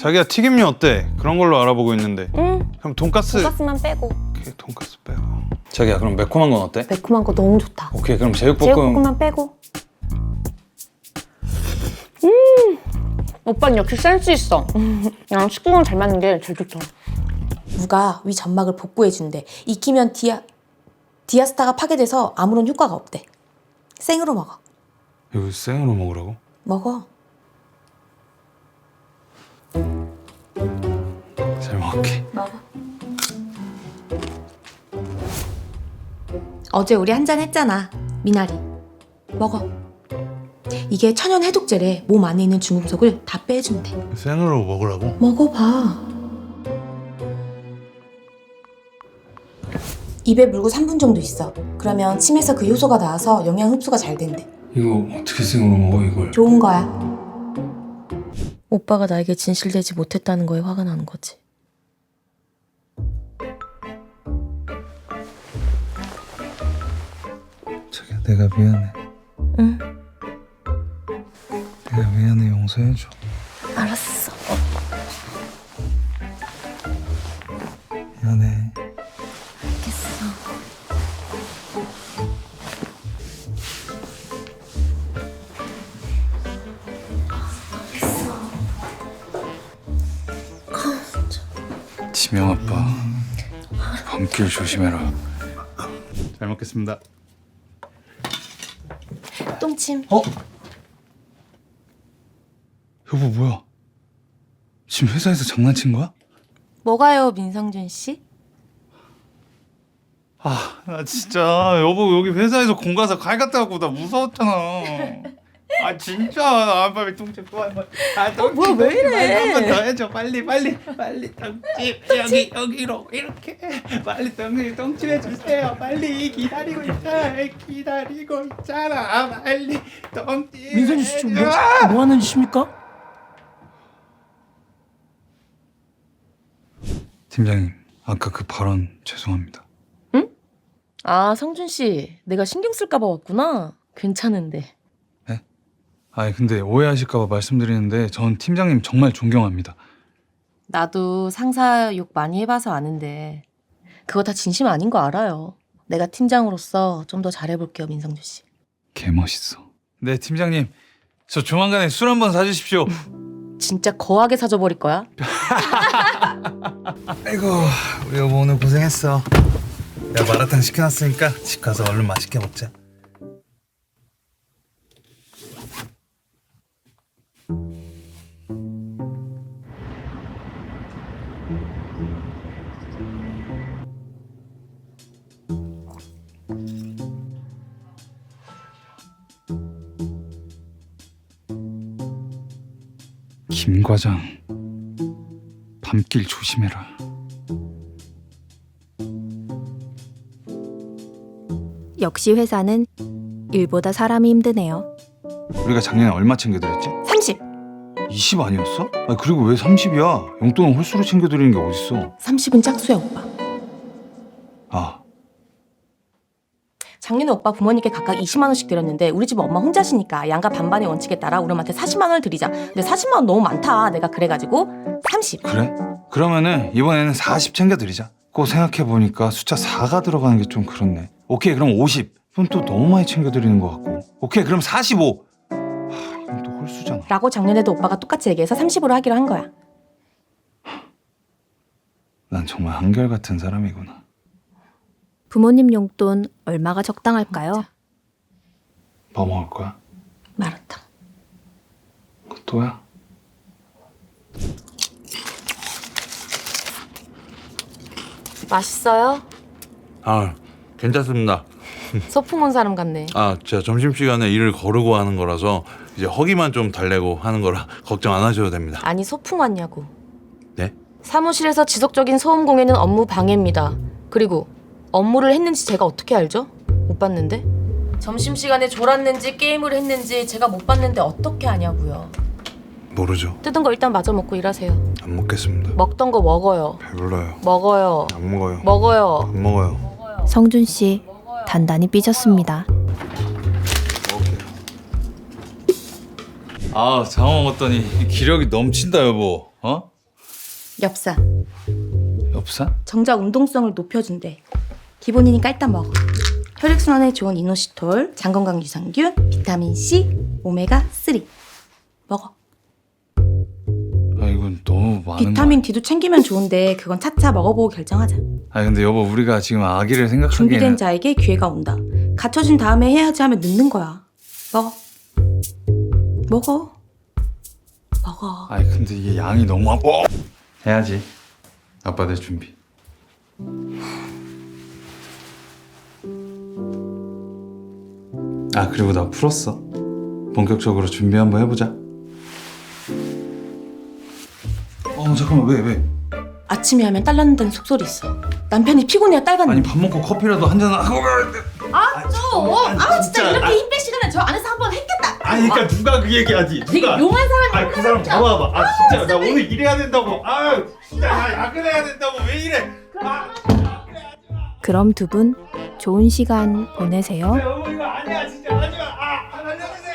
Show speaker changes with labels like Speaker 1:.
Speaker 1: 자기야 튀김류 어때? 그런 걸로 알아보고 있는데.
Speaker 2: 응.
Speaker 1: 그럼 돈까스.
Speaker 2: 돈가스만 빼고.
Speaker 1: 오케이, 돈까스 빼고. 자기야 그럼 매콤한 건 어때?
Speaker 2: 매콤한 거 너무 좋다.
Speaker 1: 오케이, 그럼 제육볶음.
Speaker 2: 제육볶음만 빼고. 오빠는 역시 센스 있어. 나랑 식구랑 잘 맞는 게 제일 좋다.
Speaker 3: 무가 위 점막을 복구해준대. 익히면 디아스타가 파괴돼서 아무런 효과가 없대. 생으로 먹어.
Speaker 1: 이거 생으로 먹으라고?
Speaker 3: 먹어.
Speaker 1: 잘 먹을게.
Speaker 3: 먹어. 어제 우리 한잔 했잖아. 미나리. 먹어. 이게 천연 해독제래. 몸 안에 있는 중금속을 다 빼준대.
Speaker 1: 생으로 먹으라고?
Speaker 3: 먹어봐. 입에 물고 3분 정도 있어. 그러면 침에서 그 효소가 나와서 영양 흡수가 잘 된대.
Speaker 1: 이거 어떻게 생으로 먹어 이걸?
Speaker 3: 좋은 거야. 오빠가 나에게 진실되지 못했다는 거에 화가 나는 거지.
Speaker 1: 자기야 내가 미안해.
Speaker 3: 응,
Speaker 1: 내가 미안해, 용서해줘.
Speaker 3: 알았어.
Speaker 1: 미안해.
Speaker 3: 알겠어.
Speaker 1: 지명 아빠, 밤길 조심해라. 잘 먹겠습니다.
Speaker 3: 똥침.
Speaker 1: 여보 뭐야? 지금 회사에서 장난친 거야?
Speaker 3: 뭐가요, 민성준 씨?
Speaker 1: 나 진짜 여보 여기 회사에서 공 가서 칼 갖다 갖고 나 무서웠잖아. 진짜 빨리 똥집 또 한 번. 똥집
Speaker 3: 뭐야, 왜 이래?
Speaker 1: 한 번 더 해줘. 빨리 똥집 여기로 이렇게 빨리 똥집 해주세요. 빨리 기다리고 있잖아. 빨리 똥집.
Speaker 4: 민선이 씨 지금 뭐 하는 짓입니까?
Speaker 1: 팀장님 아까 그 발언 죄송합니다.
Speaker 3: 아, 성준 씨. 내가 신경 쓸까 봐 왔구나. 괜찮은데.
Speaker 1: 근데 오해하실까 봐 말씀드리는데 전 팀장님 정말 존경합니다.
Speaker 3: 나도 상사 욕 많이 해봐서 아는데 그거 다 진심 아닌 거 알아요. 내가 팀장으로서 좀 더 잘해볼게요, 민성준 씨.
Speaker 1: 개멋있어. 네 팀장님 저 조만간에 술 한번 사주십시오.
Speaker 3: 진짜 거하게 사줘 버릴 거야.
Speaker 5: 아이고 우리 여보 오늘 고생했어. 내가 마라탕 시켜놨으니까 집 가서 얼른 맛있게 먹자.
Speaker 1: 김 과장 밤길 조심해라.
Speaker 6: 역시 회사는 일보다 사람이 힘드네요.
Speaker 1: 우리가 작년에 얼마 챙겨드렸지?
Speaker 3: 30.
Speaker 1: 20 아니었어? 그리고 왜 30이야? 용돈은 홀수로 챙겨드리는 게 어딨어?
Speaker 3: 30은 짝수야, 오빠. 작년에 오빠 부모님께 각각 20만 원씩 드렸는데 우리 집 엄마 혼자시니까 양가 반반의 원칙에 따라 우리 엄마한테 40만 원을 드리자. 근데 40만 원 너무 많다. 내가 그래가지고 30.
Speaker 1: 그래? 그러면은 이번에는 40 챙겨드리자. 꼭 생각해보니까 숫자 4가 들어가는 게 좀 그렇네. 오케이 그럼 50. 이건 또 너무 많이 챙겨드리는 것 같고. 오케이 그럼 45. 이건 또 홀수잖아.
Speaker 3: 라고 작년에도 오빠가 똑같이 얘기해서 30으로 하기로 한 거야.
Speaker 1: 난 정말 한결같은 사람이구나.
Speaker 6: 부모님 용돈 얼마가 적당할까요?
Speaker 1: 뭐 먹을 거야?
Speaker 3: 마라탕.
Speaker 1: 또야?
Speaker 3: 맛있어요?
Speaker 7: 괜찮습니다.
Speaker 3: 소풍 온 사람 같네.
Speaker 7: 제가 점심시간에 일을 거르고 하는 거라서 이제 허기만 좀 달래고 하는 거라 걱정 안 하셔도 됩니다.
Speaker 3: 아니, 소풍 왔냐고.
Speaker 7: 네?
Speaker 3: 사무실에서 지속적인 소음 공해는 업무 방해입니다. 그리고 업무를 했는지 제가 어떻게 알죠? 못 봤는데? 점심시간에 졸았는지 게임을 했는지 제가 못 봤는데 어떻게 아냐고요.
Speaker 7: 모르죠.
Speaker 3: 뜯은 거 일단 마저 먹고 일하세요.
Speaker 7: 안 먹겠습니다.
Speaker 3: 먹던 거 먹어요.
Speaker 7: 배불러요.
Speaker 3: 먹어요.
Speaker 7: 안 먹어요.
Speaker 3: 먹어요.
Speaker 7: 안 먹어요.
Speaker 6: 성준 씨 단단히 삐졌습니다.
Speaker 1: 장어 먹었더니 기력이 넘친다 여보.
Speaker 8: 엽산.
Speaker 1: 엽산?
Speaker 8: 정자 운동성을 높여준대. 기본이니까 일단 먹어. 혈액순환에 좋은 이노시톨, 장건강 유산균, 비타민 C, 오메가 3. 먹어.
Speaker 1: 아 이건 너무 많은
Speaker 8: 비타민 D도 챙기면 좋은데 그건 차차 먹어보고 결정하자.
Speaker 1: 아 근데 여보 우리가 지금 아기를 생각하기에는
Speaker 8: 준비된 자에게 기회가 온다. 갖춰진 다음에 해야지 하면 늦는 거야. 먹어. 먹어. 먹어.
Speaker 1: 아니 근데 이게 양이 너무 해야지. 아빠들 준비. 아 그리고 나 풀었어. 본격적으로 준비 한번 해보자. 잠깐만 왜?
Speaker 8: 아침에 하면 딸 낳는다는 속설이 있어. 남편이 피곤해야 딸 갖는.
Speaker 1: 아니 밥 먹고 커피라도 한 잔 하고
Speaker 8: 진짜 이렇게 힘 뺄 시간에 저 안에서 한번 했겠다.
Speaker 1: 아니 그러니까 누가 그 얘기하지?
Speaker 8: 되게 용한 사람이.
Speaker 1: 아니 그 사람 잡아봐. 아 진짜 나 오늘 일해야 된다고. 아 진짜 나 야근해야 된다고 왜 이래?
Speaker 6: 그럼 두 분 좋은 시간 보내세요.
Speaker 1: 여보 이거 아니야 진짜 하지 마. 살려주세요.